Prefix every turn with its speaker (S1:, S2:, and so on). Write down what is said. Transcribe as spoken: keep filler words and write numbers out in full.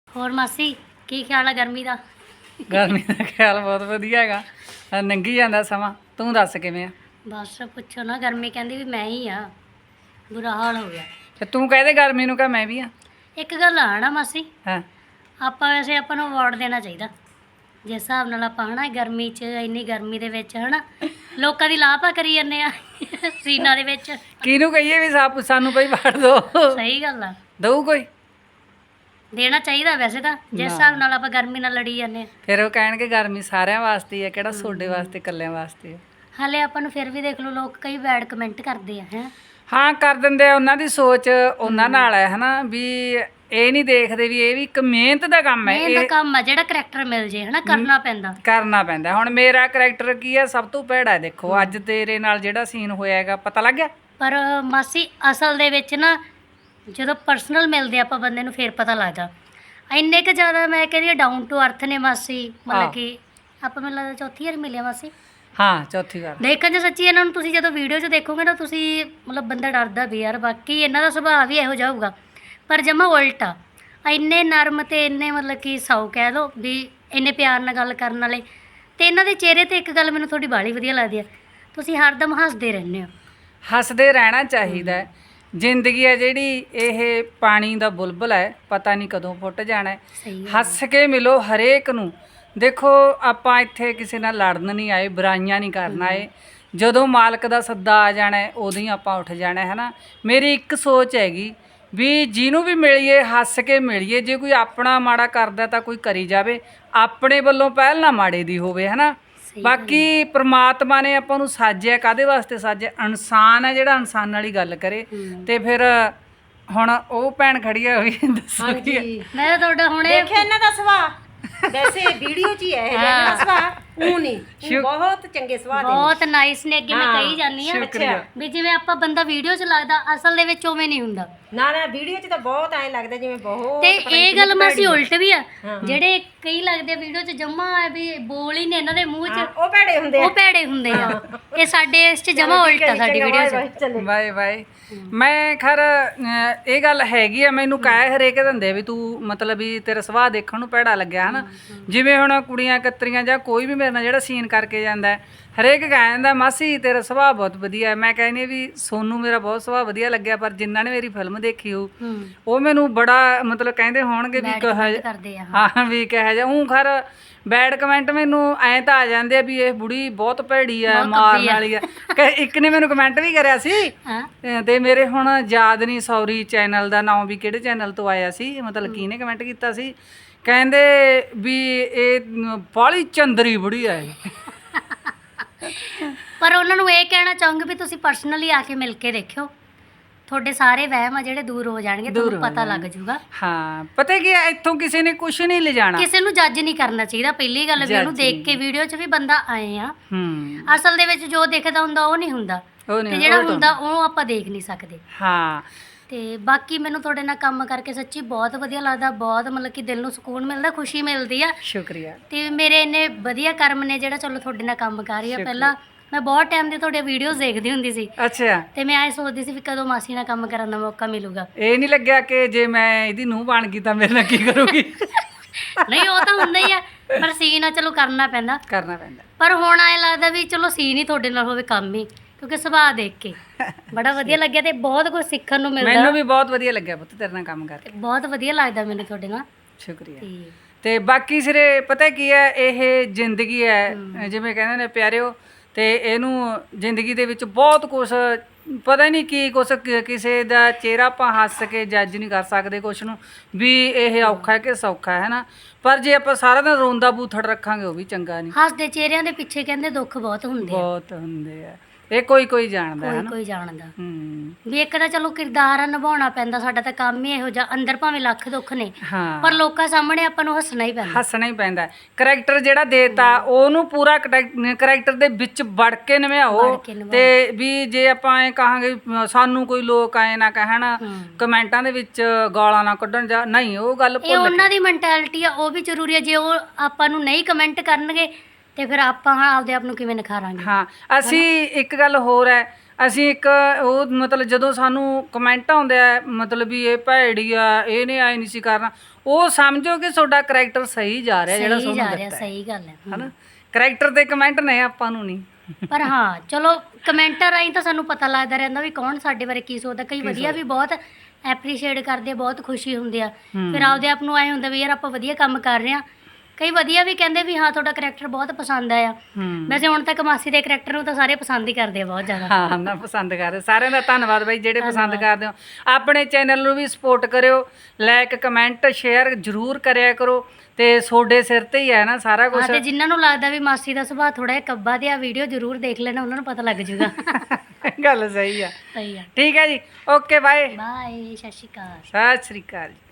S1: ਹੋਰ ਮਾਸੀ ਕੀ ਖਿਆਲ ਆ ਗਰਮੀ ਦਾ?
S2: ਗਰਮੀ ਦਾ ਖਿਆਲ ਬਹੁਤ ਵਧੀਆ ਹੈਗਾ, ਆਹ ਲੰਘੀ ਜਾਂਦਾ ਸਮਾਂ। ਤੂੰ ਦੱਸ ਕਿਵੇਂ ਆ?
S1: ਬਸ ਪੁੱਛੋ ਨਾ, ਗਰਮੀ ਕਹਿੰਦੀ ਵੀ ਮੈਂ ਹੀ ਆ, ਬੁਰਾ ਹਾਲ ਹੋ ਗਿਆ।
S2: ਤੇ ਤੂੰ ਕਹਦੇ ਗਰਮੀ ਨੂੰ ਕਹ ਮੈਂ ਵੀ ਆ।
S1: ਇੱਕ ਗੱਲ ਆ ਨਾ ਮਾਸੀ,
S2: ਹਾਂ
S1: ਆਪਾਂ ਵੈਸੇ ਆਪਾਂ ਨੂੰ ਅਵਾਰਡ ਦੇਣਾ ਚਾਹੀਦਾ ਜਿਸ ਹਿਸਾਬ ਨਾਲ ਆਪਾਂ ਹਨਾ ਗਰਮੀ 'ਚ, ਇੰਨੀ ਗਰਮੀ ਦੇ ਵਿੱਚ ਹਨਾ ਲੋਕਾਂ ਦੀ ਲਾਪਾ ਕਰੀ ਜਾਂਦੇ ਆ ਸੀਨਾਂ ਦੇ ਵਿੱਚ।
S2: ਕਿਹਨੂੰ ਕਹੀਏ ਵੀ ਸਾ- ਸਾਨੂੰ ਬਈ ਵੜ ਦੋ।
S1: ਸਹੀ ਗੱਲ ਆ,
S2: ਦਊ ਕੋਈ?
S1: ਦੇਣਾ ਚਾਹੀਦਾ ਵੈਸੇ ਤਾਂ, ਜਿਸ
S2: ਨਾ।
S1: ਹਿਸਾਬ ਨਾਲ ਆਪਾਂ ਗਰਮੀ ਨਾਲ ਲੜੀ ਜਾਂਦੇ ਆ।
S2: ਫਿਰ ਉਹ ਕਹਿਣਗੇ ਗਰਮੀ ਸਾਰਿਆਂ ਵਾਸਤੇ ਹੀ ਆ, ਕਿਹੜਾ ਤੁਹਾਡੇ ਵਾਸਤੇ ਇਕੱਲਿਆਂ ਵਾਸਤੇ ਆ।
S1: ਹਾਲੇ ਆਪਾਂ ਨੂੰ ਫਿਰ ਵੀ ਦੇਖ ਲਓ, ਲੋਕ ਕਈ ਬੈਡ ਕਮੈਂਟ ਕਰਦੇ ਆ ਹੈ।
S2: ਹਾਂ ਕਰ ਦਿੰਦੇ ਆ, ਉਹਨਾਂ ਦੀ ਸੋਚ ਉਹਨਾਂ ਨਾਲ ਹੈ ਹਨਾ, ਵੀ ਇਹ ਨਹੀਂ ਦੇਖਦੇ ਵੀ ਇਹ ਵੀ ਇੱਕ ਮਿਹਨਤ ਦਾ ਕੰਮ ਹੈ।
S1: ਇਹ ਤਾਂ ਕੰਮ ਆ ਜਿਹੜਾ ਕਰੈਕਟਰ ਮਿਲ ਜੇ ਹਨਾ, ਕਰਨਾ ਪੈਂਦਾ
S2: ਕਰਨਾ ਪੈਂਦਾ। ਹੁਣ ਮੇਰਾ ਕਰੈਕਟਰ ਕੀ ਹੈ, ਸਭ ਤੋਂ ਭੈੜਾ ਹੈ। ਦੇਖੋ ਅੱਜ ਤੇਰੇ ਨਾਲ ਜਿਹੜਾ ਸੀਨ ਹੋਇਆ ਹੈਗਾ, ਪਤਾ ਲੱਗ ਗਿਆ?
S1: ਪਰ ਮਾਸੀ ਅਸਲ ਦੇ ਵਿੱਚ ਨਾ ਜਦੋਂ ਪਰਸਨਲ ਮਿਲਦੇ ਆਪਾਂ ਬੰਦੇ ਨੂੰ ਫਿਰ ਪਤਾ ਲੱਗਦਾ। ਇੰਨੇ ਕੁ ਜ਼ਿਆਦਾ ਮੈਂ ਕਹਿੰਦੀ ਡਾਊਨ ਟੂ ਅਰਥ ਨੇ ਮਾਸੀ,
S2: ਹਾਂ।
S1: ਮਤਲਬ ਕਿ ਆਪਾਂ ਮੈਨੂੰ ਲੱਗਦਾ ਚੌਥੀ ਵਾਰ ਮਿਲਿਆ ਮਾਸੀ।
S2: ਹਾਂ ਚੌਥੀ ਵਾਰ
S1: ਦੇਖਣ 'ਚ ਸੱਚੀ ਇਹਨਾਂ ਨੂੰ ਤੁਸੀਂ ਜਦੋਂ ਵੀਡੀਓ 'ਚ ਦੇਖੋਗੇ ਨਾ, ਤੁਸੀਂ ਮਤਲਬ ਬੰਦਾ ਡਰਦਾ ਵੀ ਯਾਰ ਬਾਕੀ ਇਹਨਾਂ ਦਾ ਸੁਭਾਅ ਵੀ ਇਹੋ ਜਿਹਾ ਹੋਊਗਾ, ਪਰ ਜਮਾ ਉਲਟਾ। ਇੰਨੇ ਨਰਮ ਤੇ ਇੰਨੇ ਮਤਲਬ ਕਿ ਸਾਊ ਕਹਿ ਲਓ ਵੀ ਇੰਨੇ ਪਿਆਰ ਨਾਲ ਗੱਲ ਕਰਨ ਵਾਲੇ। ਤੇ ਇਹਨਾਂ ਦੇ ਚਿਹਰੇ ਤੇ ਇੱਕ ਗੱਲ ਮੈਨੂੰ ਤੁਹਾਡੀ ਬਾਹਲੀ ਵਧੀਆ ਲੱਗਦੀ ਹੈ, ਤੁਸੀਂ ਹਰਦਮ ਹੱਸਦੇ ਰਹਿੰਦੇ ਹੋ।
S2: ਹੱਸਦੇ ਰਹਿਣਾ ਚਾਹੀਦਾ ਹੈ। ਜ਼ਿੰਦਗੀ ਹੈ ਜਿਹੜੀ ਇਹ ਪਾਣੀ ਦਾ ਬੁਲਬੁਲ ਹੈ, ਪਤਾ ਨਹੀਂ ਕਦੋਂ ਫੁੱਟ ਜਾਣਾ ਹੈ।
S1: ਸਹੀ ਗੱਲ।
S2: ਹੱਸ ਕੇ ਮਿਲੋ ਹਰੇਕ ਨੂੰ। ਦੇਖੋ ਆਪਾਂ ਇੱਥੇ ਕਿਸੇ ਨਾਲ ਲੜਨ ਨਹੀਂ ਆਏ, ਬੁਰਾਈਆਂ ਨਹੀਂ ਕਰਨ ਆਏ। ਜਦੋਂ ਮਾਲਕ ਦਾ ਸੱਦਾ ਆ ਜਾਣਾ ਹੈ, ਉਦੋਂ ਹੀ ਆਪਾਂ ਉੱਠ ਜਾਣਾ ਹੈ ਨਾ। ਮੇਰੀ ਇੱਕ ਸੋਚ ਹੈਗੀ ਵੀ ਜਿਹਨੂੰ ਵੀ ਮਿਲੀਏ ਹੱਸ ਕੇ ਮਿਲੀਏ। ਜੇ ਕੋਈ ਆਪਣਾ ਮਾੜਾ ਕਰਦਾ ਤਾਂ ਕੋਈ ਕਰੀ ਜਾਵੇ, ਆਪਣੇ ਵੱਲੋਂ ਪਹਿਲ ਨਾ ਮਾੜੇ ਦੀ ਹੋਵੇ ਹੈ ਨਾ।
S1: ਸਹੀ ਗੱਲ
S2: ਬਾਕੀ ਪ੍ਰਮਾਤਮਾ ਨੇ ਆਪਾਂ ਨੂੰ ਸਾਜਿਆ ਕਾਹਦੇ ਵਾਸਤੇ ਸਾਜਿਆ? ਇਨਸਾਨ ਹੈ ਜਿਹੜਾ ਇਨਸਾਨ ਵਾਲੀ ਗੱਲ ਕਰੇ।
S1: ਹੂੰ।
S2: ਤੇ ਫਿਰ ਹੁਣ ਉਹ ਭੈਣ ਖੜੀ ਆ, ਉਹ ਵੀ ਦੱਸੋ ਕੀ ਹੈ।
S3: ਹਾਂਜੀ
S1: ਮੈਂ ਤਾਂ ਤੁਹਾਡਾ ਹੁਣੇ
S3: ਦੇਖਿਆ ਇਹਨਾਂ ਦਾ ਸੁਭਾਅ, ਵੈਸੇ ਵੀਡੀਓ 'ਚ ਹੀ ਹੈ ਇਹ ਇਹਨਾਂ ਦਾ ਸੁਭਾਅ, ਉਹ ਨਹੀਂ ਊਂ
S2: ਸ਼ੁਕ-
S3: ਬਹੁਤ ਚੰਗੇ ਸੁਭਾਅ ਦੇ ਨੇ।
S1: ਬਹੁਤ ਨਾਈਸ ਨੇ, ਅੱਗੇ ਮੈਂ
S3: ਹਾਂ,
S1: ਕਹੀ ਜਾਂਦੀ ਆ
S2: ਸ਼ੁਕਰੀਆ।
S1: ਵੀ ਜਿਵੇਂ ਆਪਾਂ ਬੰਦਾ ਵੀਡੀਓ 'ਚ ਲੱਗਦਾ, ਅਸਲ ਦੇ ਵਿੱਚ ਉਵੇਂ ਨਹੀਂ ਹੁੰਦਾ।
S3: ਨਾ ਨਾ ਵੀਡੀਓ 'ਚ ਤਾਂ ਬਹੁਤ ਐਂ ਲੱਗਦਾ ਜਿਵੇਂ ਬਹੁਤ
S1: ਤੇ
S3: ਪਤਾ ਨੀ
S1: ਇਹ ਗੱਲ
S3: ਕਿੰਨੀ
S1: ਮਾਸੀ
S3: ਭੈੜੀ
S1: ਉਲਟ ਵੀ ਆ,
S3: ਹਾਂ।
S1: ਜਿਹੜੇ ਕਈ ਲੱਗਦੇ ਵੀਡੀਓ 'ਚ ਜਮਾ ਵੀ ਬੋਲ ਹੀ ਨੇ ਇਹਨਾਂ ਦੇ ਮੂੰਹ
S3: ਹਾਂ,
S1: 'ਚ,
S3: ਉਹ ਭੈੜੇ ਹੁੰਦੇ ਆ।
S1: ਉਹ ਭੈੜੇ ਹੁੰਦੇ ਆ। ਇਹ ਸਾਡੇ ਇਸ 'ਚ ਜਮਾ ਉਲਟ ਆ, ਸਾਡੀ ਵੀਡੀਓ 'ਚ।
S2: Bye bye. ਮੈਂ ਖਰ ਅਹ, ਇਹ ਗੱਲ ਹੈਗੀ ਆ, ਮੈਨੂੰ ਕਹਿ ਹਰੇਕ ਦਿੰਦੇ ਵੀ ਤੂੰ ਮਤਲਬ ਵੀ ਤੇਰਾ ਸੁਭਾਅ ਦੇਖਣ ਨੂੰ ਭੈੜਾ ਲੱਗਿਆ ਹਨਾ। ਜਿਵੇਂ ਹੁਣ ਕੁੜੀਆਂ ਕਤਰੀਆਂ ਜਾਂ ਕੋਈ ਵੀ ਮੇਰੇ ਨਾਲ ਜਿਹੜਾ ਸੀਨ ਕਰਕੇ ਜਾਂਦਾ ਹੈ, ਹਰੇਕ ਕਹਿ ਜਾਂਦਾ ਮਾਸੀ ਤੇਰਾ ਸੁਭਾਅ ਬਹੁਤ ਵਧੀਆ ਹੈ। ਮੈਂ ਕਹਿੰਦੀ ਵੀ ਸੋਨੂੰ ਮੇਰਾ ਬਹੁਤ ਸੁਭਾਅ ਵਧੀਆ ਲੱਗਿਆ, ਪਰ ਜਿਨ੍ਹਾਂ ਨੇ ਮੇਰੀ ਫਿਲਮ ਦੇਖੀ ਹੋ
S1: ਹੂੰ,
S2: ਉਹ ਮੈਨੂੰ ਬੜਾ ਮਤਲਬ ਕਹਿੰਦੇ ਹੋਣਗੇ ਵੀ
S1: bad
S2: ਕਹ
S1: comment ਕਰਦੇ ਆ। ਹਾਂ।
S2: ਹਾਂ ਵੀ ਕਿਹਾ ਜਾ ਉਹ ਖਰ ਬੈਡ ਕਮੈਂਟ ਮੈਨੂੰ ਐਂ ਤਾਂ ਆ ਜਾਂਦੇ ਆ ਵੀ ਇਹ ਬੁੜੀ ਬਹੁਤ ਭੈੜੀ ਆ,
S1: ਬਹੁਤ
S2: ਮਾਰਨ
S1: ਕੱਬੀ ਆ।
S2: ਵਾਲੀ ਆ। ਕ- ਇੱਕ ਨੇ ਮੈਨੂੰ ਕਮੈਂਟ ਵੀ ਕਰਿਆ ਸੀ,
S1: ਹਾਂ।
S2: ਅਹ ਤੇ ਮੇਰੇ ਹੁਣ ਯਾਦ ਨਹੀਂ ਸੌਰੀ ਚੈਨਲ ਦਾ ਨਾਮ ਵੀ ਕਿਹੜੇ ਚੈਨਲ ਤੋਂ ਆਇਆ ਸੀ, ਮਤਲਬ ਕਿਹਨੇ ਕਮੈਂਟ ਕੀਤਾ ਸੀ, ਕਹਿੰਦੇ ਵੀ ਇਹ ਬਾਹਲੀ ਚੰਦਰੀ ਬੁੜੀ ਆ ਇਹ।
S1: ਪਰ ਉਹਨਾਂ ਨੂੰ ਇਹ ਕਹਿਣਾ ਚਾਹੂੰਗੀ ਵੀ ਤੁਸੀਂ ਪਰਸਨਲੀ ਆ ਕੇ ਮਿਲ ਕੇ ਦੇਖਿਓ, ਤੁਹਾਡੇ ਸਾਰੇ ਵਹਿਮ ਆ ਜਿਹੜੇ ਦੂਰ ਹੋ ਜਾਣਗੇ,
S2: ਦੂਰ
S1: ਤੁਹਾਨੂੰ
S2: ਹੋ
S1: ਪਤਾ ਲੱਗ
S2: ਜਾਣਗੇ।
S1: ਜਾਊਗਾ।
S2: ਹਾਂ ਪਤਾ ਕੀ ਹੈ, ਇੱਥੋਂ ਕਿਸੇ ਨੇ ਕੁਝ ਨਹੀਂ ਲਿਜਾਣਾ।
S1: ਕਿਸੇ ਨੂੰ ਜੱਜ ਨਹੀਂ ਕਰਨਾ ਚਾਹੀਦਾ। ਪਹਿਲੀ ਗੱਲ ਵੀ ਉਹਨੂੰ
S2: Judge
S1: ਦੇਖ ਕੇ ਵੀਡੀਓ 'ਚ ਵੀ ਬੰਦਾ ਆਏ ਆ,
S2: ਹੂੰ
S1: ਅਸਲ ਦੇ ਵਿੱਚ ਜੋ ਦਿਖਦਾ ਹੁੰਦਾ ਉਹ ਨਹੀਂ ਹੁੰਦਾ,
S2: ਉਹ
S1: ਤੇ
S2: ਨਹੀਂ
S1: ਜਿਹੜਾ
S2: ਉਹ ਤਾਂ-
S1: ਹੁੰਦਾ ਉਹ ਆਪਾਂ ਦੇਖ ਨਹੀਂ ਸਕਦੇ।
S2: ਹਾਂ
S1: ਤੇ ਬਾਕੀ ਮੈਨੂੰ ਤੁਹਾਡੇ ਨਾਲ ਕੰਮ ਕਰਕੇ ਸੱਚੀ ਬਹੁਤ ਵਧੀਆ ਲੱਗਦਾ, ਬਹੁਤ ਮਤਲਬ ਕਿ ਦਿਲ ਨੂੰ ਸਕੂਨ ਮਿਲਦਾ, ਖੁਸ਼ੀ ਮਿਲਦੀ ਆ।
S2: ਸ਼ੁਕਰੀਆ।
S1: ਤੇ ਮੇਰੇ ਇੰਨੇ ਵਧੀਆ ਕਰਮ ਨੇ ਜਿਹੜਾ ਚਲੋ ਤੁਹਾਡੇ ਨਾਲ ਕੰਮ ਕਰ ਰਹੀ ਆ।
S2: ਸ਼ੁਕਰੀਆ।
S1: ਪਹਿਲਾਂ ਮੈਂ ਬਹੁਤ ਟਾਈਮ ਦੀ ਤੁਹਾਡੇ ਵੀਡੀਓਜ਼ ਦੇਖਦੀ ਹੁੰਦੀ ਸੀ,
S2: ਅੱਛਾ
S1: ਤੇ ਮੈਂ ਐ ਸੋਚਦੀ ਸੀ ਵੀ ਕਦੋਂ ਮਾਸੀ ਨਾਲ ਕੰਮ ਕਰਨ ਦਾ ਮੌਕਾ ਮਿਲੂਗਾ।
S2: ਇਹ ਨਹੀਂ ਲੱਗਿਆ ਕਿ ਜੇ ਮੈਂ ਇਹਦੀ ਨੂੰਹ ਬਣ ਗਈ ਤਾਂ ਮੇਰੇ ਨਾਲ ਕੀ ਕਰੂਗੀ?
S1: ਨਹੀਂ ਉਹ ਤਾਂ ਹੁੰਦਾ ਹੀ ਆ, ਪਰ ਸੀਨ ਆ ਚਲੋ ਕਰਨਾ ਪੈਂਦਾ।
S2: ਕਰਨਾ ਪੈਂਦਾ।
S1: ਪਰ ਹੁਣ ਐ ਲੱਗਦਾ ਵੀ ਚਲੋ ਸੀਨ ਹੀ ਤੁਹਾਡੇ ਨਾਲ ਹੋਵੇ ਕੰਮ ਹੀ, ਕਿਉਂਕਿ ਸੁਭਾਅ ਦੇਖ ਕੇ ਬੜਾ ਵਧੀਆ ਲੱਗਿਆ ਤੇ ਬਹੁਤ ਕੁਝ ਸਿੱਖਣ ਨੂੰ ਮਿਲਦਾ।
S2: ਮੈਨੂੰ ਵੀ ਬਹੁਤ ਵਧੀਆ ਲੱਗਿਆ ਪੁੱਤ ਤੇਰੇ ਨਾਲ ਕੰਮ ਕਰਕੇ।
S1: ਤੇ ਬਹੁਤ ਵਧੀਆ ਲੱਗਦਾ ਮੈਨੂੰ ਤੁਹਾਡੇ ਨਾਲ।
S2: ਸ਼ੁਕਰੀਆ।
S1: ਤੇ
S2: ਤੇ ਬਾਕੀ ਸਿਰੇ ਪਤਾ ਕੀ ਹੈ, ਇਹ ਜ਼ਿੰਦਗੀ ਹੈ ਜਿਵੇਂ ਕਹਿੰਦੇ ਨੇ ਪਿਆਰਿਓ, ਤੇ ਇਹਨੂੰ ਜ਼ਿੰਦਗੀ ਦੇ ਵਿੱਚ ਬਹੁਤ ਕੁਛ ਪਤਾ ਨਹੀਂ ਕੀ ਕੁਛ ਕ- ਕਿਸੇ ਦਾ ਚਿਹਰਾ ਆਪਾਂ ਹੱਸ ਕੇ ਜੱਜ ਨਹੀਂ ਕਰ ਸਕਦੇ ਕੁਛ ਨੂੰ ਵੀ ਇਹ ਔਖਾ ਹੈ ਕਿ ਸੌਖਾ ਹੈ ਨਾ। ਪਰ ਜੇ ਆਪਾਂ ਸਾਰਾ ਦਿਨ ਰੋਂਦਾ ਬੂਥੜ ਰੱਖਾਂਗੇ ਉਹ ਵੀ ਚੰਗਾ ਨਹੀਂ।
S1: ਹੱਸਦੇ ਚਿਹਰਿਆਂ ਦੇ ਪਿੱਛੇ ਕਹਿੰਦੇ ਦੁੱਖ ਬਹੁਤ ਹੁੰਦੇ ਆ,
S2: ਬਹੁਤ ਹੁੰਦੇ ਆ, ਇਹ ਕੋਈ ਕੋਈ ਜਾਣਦਾ ਹੈ
S1: ਕੋਈ
S2: ਨਾ।
S1: ਕੋਈ ਜਾਣਦਾ।
S2: ਹੂੰ
S1: ਵੀ ਇੱਕ ਤਾਂ ਚਲੋ ਕਿਰਦਾਰ ਨਿਭਾਉਣਾ ਪੈਂਦਾ, ਸਾਡਾ ਤਾਂ ਕੰਮ ਹੀ ਇਹੋ ਜਿਹਾ, ਅੰਦਰ ਭਾਵੇਂ ਲੱਖ ਦੁੱਖ ਨੇ
S2: ਹਾਂ
S1: ਪਰ ਲੋਕਾਂ ਸਾਹਮਣੇ ਆਪਾਂ ਨੂੰ ਹੱਸਣਾ ਹੀ ਪੈਂਦਾ।
S2: ਹੱਸਣਾ ਹੀ ਪੈਂਦਾ। ਕਰੈਕਟਰ ਜਿਹੜਾ ਦੇਤਾ ਉਹਨੂੰ ਪੂਰਾ ਕਰੈਕਟਰ ਦੇ ਵਿੱਚ ਵੜ ਕੇ ਨਿਭਾਓ।
S1: ਵੜ ਕੇ ਨਿਭਾਓ।
S2: ਤੇ ਵੀ ਜੇ ਆਪਾਂ ਐ ਕਹਾਂਗੇ ਵੀ ਸਾਨੂੰ ਕੋਈ ਲੋਕ ਐ ਨਾ ਕਹਿਣ
S1: ਹੂੰ।
S2: ਕਮੈਂਟਾਂ ਦੇ ਵਿੱਚ ਗਾਲਾਂ ਨਾ ਕੱਢਣ ਜਾਂ ਨਹੀਂ, ਉਹ ਗੱਲ
S1: ਇਹ
S2: ਭੁੱਲ
S1: ਉਹਨਾਂ ਦੀ ਮੈਂਟੈਲਿਟੀ ਆ, ਉਹ ਵੀ ਜ਼ਰੂਰੀ ਹੈ। ਜੇ ਉਹ ਆਪਾਂ ਨੂੰ ਨਹੀਂ ਕਮੈਂਟ ਕਰਨਗੇ ਤੇ ਫਿਰ ਆਪਾਂ ਆਪਦੇ ਆਪ ਨੂੰ ਕਿਵੇਂ ਨਿਖਾਰਾਂਗੇ?
S2: ਹਾਂ ਅਸੀਂ ਇੱਕ ਗੱਲ ਹੋਰ ਹੈ, ਅਸੀਂ ਇੱਕ ਉਹ ਮਤਲਬ ਜਦੋਂ ਸਾਨੂੰ ਕਮੈਂਟ ਆਉਂਦੇ ਆ ਮਤਲਬ ਵੀ ਇਹ ਭੈੜੀ ਆ, ਇਹਨੇ ਐ ਨਹੀਂ ਸੀ ਕਰਨਾ, ਉਹ ਸਮਝੋ ਕਿ ਤੁਹਾਡਾ ਕਰੈਕਟਰ ਸਹੀ ਜਾ ਰਿਹਾ ਜਿਹੜਾ
S1: ਸਹੀ
S2: ਤੁਹਾਨੂੰ
S1: ਜਾ ਰਿਹਾ
S2: ਦਿੱਤਾ ਹੈ
S1: ਸਹੀ ਗੱਲ ਹੈ ਹਮ।
S2: ਹਨਾ। ਕਰੈਕਟਰ ਤੇ ਕਮੈਂਟ ਨੇ ਆਪਾਂ ਨੂੰ ਨਹੀਂ।
S1: ਪਰ ਹਾਂ ਚਲੋ ਕਮੈਂਟਰ ਰਾਹੀਂ ਤਾਂ ਸਾਨੂੰ ਪਤਾ ਲੱਗਦਾ ਰਹਿੰਦਾ ਵੀ ਕੌਣ ਸਾਡੇ ਬਾਰੇ ਕੀ ਸੋਚਦਾ। ਕਈ ਵਧੀਆ ਵੀ ਬਹੁਤ ਐਪਰੀਸ਼ੀਏਟ ਕਰਦੇ ਆ, ਬਹੁਤ ਖੁਸ਼ੀ ਹੁੰਦੀ ਆ। ਫਿਰ ਆਪਦੇ ਆਪ ਨੂੰ ਐ ਹੁੰਦਾ ਵੀ ਯਾਰ ਆਪਾਂ ਵਧੀਆ ਕੰਮ ਕਰ ਰਹੇ ਆ। ਕਈ ਵਧੀਆ ਵੀ ਕਹਿੰਦੇ ਵੀ ਹਾਂ ਤੁਹਾਡਾ ਕਰੈਕਟਰ ਬਹੁਤ ਪਸੰਦ ਆਇਆ।
S2: ਹੂੰ
S1: ਵੈਸੇ ਹੁਣ ਤੱਕ ਮਾਸੀ ਦੇ ਕਰੈਕਟਰ ਨੂੰ ਤਾਂ ਸਾਰੇ ਪਸੰਦ ਹੀ ਕਰਦੇ ਆ ਬਹੁਤ ਜ਼ਿਆਦਾ।
S2: ਹਾਂ ਨਾ ਪਸੰਦ ਕਰ ਰਹੇ ਸਾਰਿਆਂ ਦਾ ਧੰਨਵਾਦ ਬਾਈ ਜਿਹੜੇ ਪਸੰਦ ਕਰਦੇ ਹੋ। ਆਪਣੇ ਚੈਨਲ ਨੂੰ ਵੀ ਸਪੋਰਟ ਕਰਿਓ, ਲਾਈਕ ਕਮੈਂਟ ਸ਼ੇਅਰ ਜ਼ਰੂਰ ਕਰਿਆ ਕਰੋ ਤੇ ਤੁਹਾਡੇ ਸਿਰ ਤੇ ਹੀ ਹੈ ਨਾ ਸਾਰਾ ਕੁਝ।
S1: ਹਾਂ ਤੇ ਜਿਨ੍ਹਾਂ ਨੂੰ ਲੱਗਦਾ ਵੀ ਮਾਸੀ ਦਾ ਸੁਭਾਅ ਥੋੜਾ ਜਿਹਾ ਕੱਬਾ ਤੇ ਆ ਵੀਡੀਓ ਜ਼ਰੂਰ ਦੇਖ ਲੈਣਾ, ਉਹਨਾਂ ਨੂੰ ਪਤਾ ਲੱਗ ਜਾਊਗਾ।
S2: ਗੱਲ ਸਹੀ ਆ।
S1: ਸਹੀ ਆ।
S2: ਠੀਕ ਹੈ ਜੀ, ਓਕੇ ਬਾਏ,
S1: ਬਾਏ, ਸਤਿ ਸ਼੍ਰੀ ਅਕਾਲ।
S2: ਸਤਿ ਸ਼੍ਰੀ ਅਕਾਲ ਜੀ।